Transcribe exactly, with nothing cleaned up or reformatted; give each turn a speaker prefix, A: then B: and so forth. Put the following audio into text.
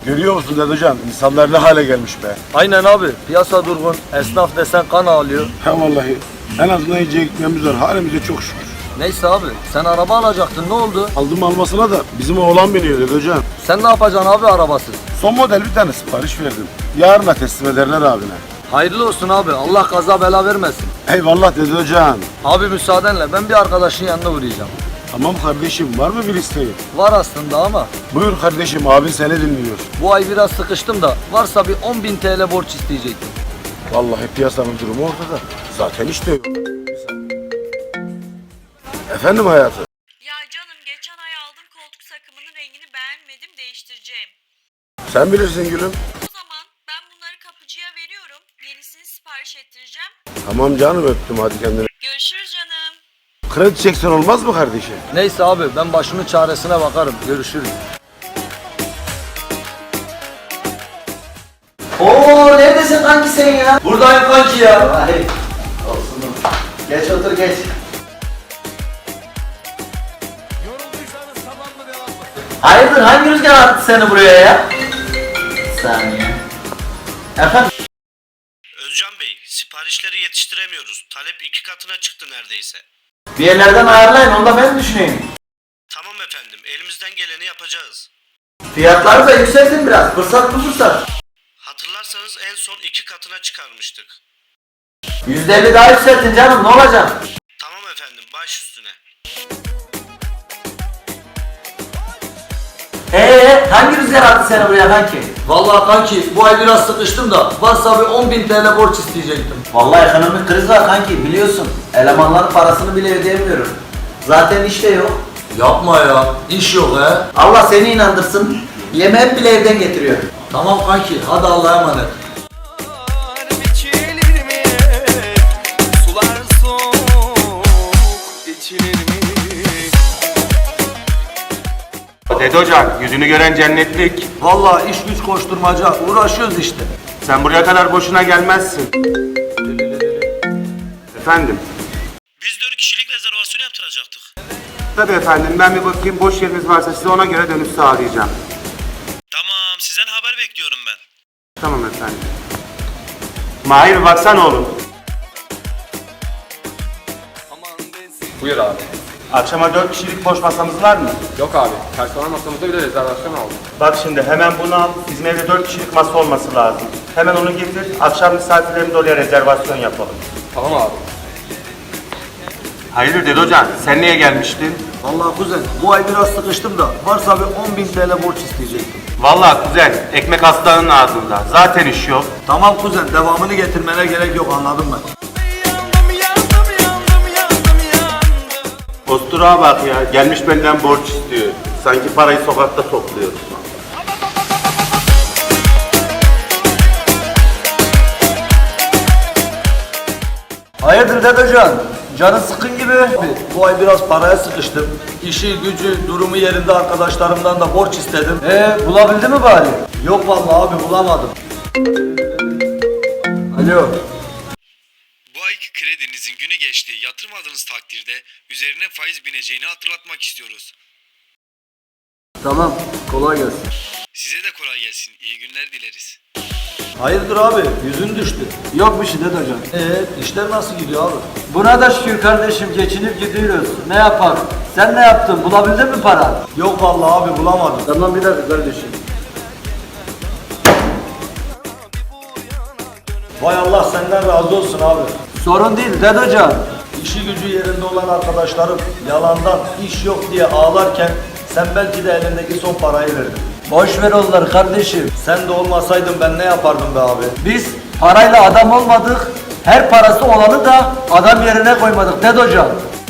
A: Görüyor musun Dedocan? İnsanlar ne hale gelmiş be.
B: Aynen abi. Piyasa durgun. Esnaf desen kan ağlıyor.
A: He vallahi. En azından yiyecek ekmeğimiz var. Halimize çok şükür.
B: Neyse abi. Sen araba alacaktın. Ne oldu?
A: Aldım almasına da bizim oğlan biniyor Dedocan.
B: Sen ne yapacaksın abi arabasız?
A: Son model bir tane sipariş verdim. Yarına teslim ederler abine.
B: Hayırlı olsun abi. Allah kaza bela vermesin.
A: Eyvallah Dedocan.
B: Abi müsaadenle ben bir arkadaşın yanına uğrayacağım.
A: Tamam kardeşim, var mı bir isteğin?
B: Var aslında ama
A: Buyur kardeşim, abin seni dinliyor.
B: bu ay biraz sıkıştım da varsa bir on bin T L borç isteyecektim.
A: Vallahi piyasanın durumu ortada. Zaten işte yok. Efendim hayatım?
C: Ya canım geçen ay aldım koltuk takımının rengini beğenmedim değiştireceğim.
A: Sen bilirsin gülüm.
C: O zaman ben bunları kapıcıya veriyorum. Yenisini sipariş ettireceğim.
A: Tamam canım, öptüm, hadi kendine.
C: Görüşürüz canım.
A: Kredi çeksen olmaz mı kardeşim?
B: Neyse abi ben başımın çaresine bakarım. Görüşürüz.
D: Oo neredesin kanki sen ya?
B: Buradayım kanki ya.
D: Ay olsun. Geç otur geç. Hayırdır hangi rüzgar attı seni buraya ya? Bir saniye. Efendim?
E: Özcan Bey, siparişleri yetiştiremiyoruz. Talep iki katına çıktı neredeyse.
D: Bir yerlerden ayarlayın onu da ben düşüneyim.
E: Tamam efendim, elimizden geleni yapacağız.
D: Fiyatları da yükseltin biraz. Fırsat bu fırsat.
E: Hatırlarsanız en son iki katına çıkarmıştık.
D: Yüzde elli daha yükseltin canım ne olacak?
E: Tamam efendim, baş üstüne.
D: Eee hangi rüzgar attı seni buraya kanki?
B: Vallahi kanki bu ay biraz sıkıştım da varsa bir on bin T L borç isteyecektim.
D: Vallahi ekonomik kriz var kanki biliyorsun. Elemanların parasını bile ödeyemiyorum. Zaten işte yok.
B: Yapma ya. İş yok he.
D: Allah seni inandırsın. Yemeği bile evden getiriyor.
B: Tamam kanki hadi Allah'a emanet.
F: Biçilir mi? Sular soğuk içilir mi?
G: Dede Hocam, yüzünü gören cennetlik.
B: Vallahi iş güç koşturmaca uğraşıyoruz işte.
G: Sen buraya kadar boşuna gelmezsin. Efendim?
E: Biz dört kişilik rezervasyon yaptıracaktık.
G: Tabii efendim, ben bir bakayım boş yeriniz varsa size ona göre dönüş sağlayacağım.
E: Tamam, sizden haber bekliyorum ben.
G: Tamam efendim. Mahir baksana oğlum.
H: Buyur abi.
G: Akşama dört kişilik boş masamız var mı?
H: Yok abi. Personel masamızda bile rezervasyon aldım.
G: Bak şimdi hemen bunu al. Bizim evde dört kişilik masa olması lazım. Hemen onu getir. Akşam misafirlerimiz oraya rezervasyon yapalım.
H: Tamam abi.
G: Hayırdır Dede Hocam, sen niye gelmiştin?
B: Vallahi kuzen bu ay biraz sıkıştım da varsa bir on bin T L borç isteyecektim.
G: Vallahi kuzen, ekmek aslanın ağzında. Zaten iş yok.
B: Tamam kuzen devamını getirmene gerek yok anladım ben.
F: Yandım yandım yandım yandım yandım.
G: Posturağa bak ya, gelmiş benden borç istiyor. Sanki parayı sokakta topluyoruz.
B: Hayırdır Dedecan? Canın sıkın gibi. Bu ay biraz paraya sıkıştım. İşi, gücü, durumu yerinde arkadaşlarımdan da borç istedim. Ee bulabildi mi bari? Yok vallahi abi bulamadım. Alo.
E: Bu ayki kredinizin günü geçti. Yatırmadığınız takdirde üzerine faiz bineceğini hatırlatmak istiyoruz.
B: Tamam kolay gelsin.
E: Size de kolay gelsin. İyi günler dileriz.
B: Hayırdır abi yüzün düştü. Yok bir şey Dedecan. Ee işler nasıl gidiyor abi?
D: Buna da şükür kardeşim geçinip gidiyoruz. Ne yapalım? Sen ne yaptın? Bulabildin mi para?
B: Yok vallahi abi bulamadım.
D: Tamam bir dakika kardeşim.
B: Vay Allah senden razı olsun abi.
D: Sorun değil Dedecan.
B: İşi gücü yerinde olan arkadaşlarım yalandan iş yok diye ağlarken sen belki de elindeki son parayı verdin.
D: Boş ver onları kardeşim.
B: Sen de olmasaydın ben ne yapardım be abi?
D: Biz parayla adam olmadık. Her parası olanı da adam yerine koymadık Dedecan.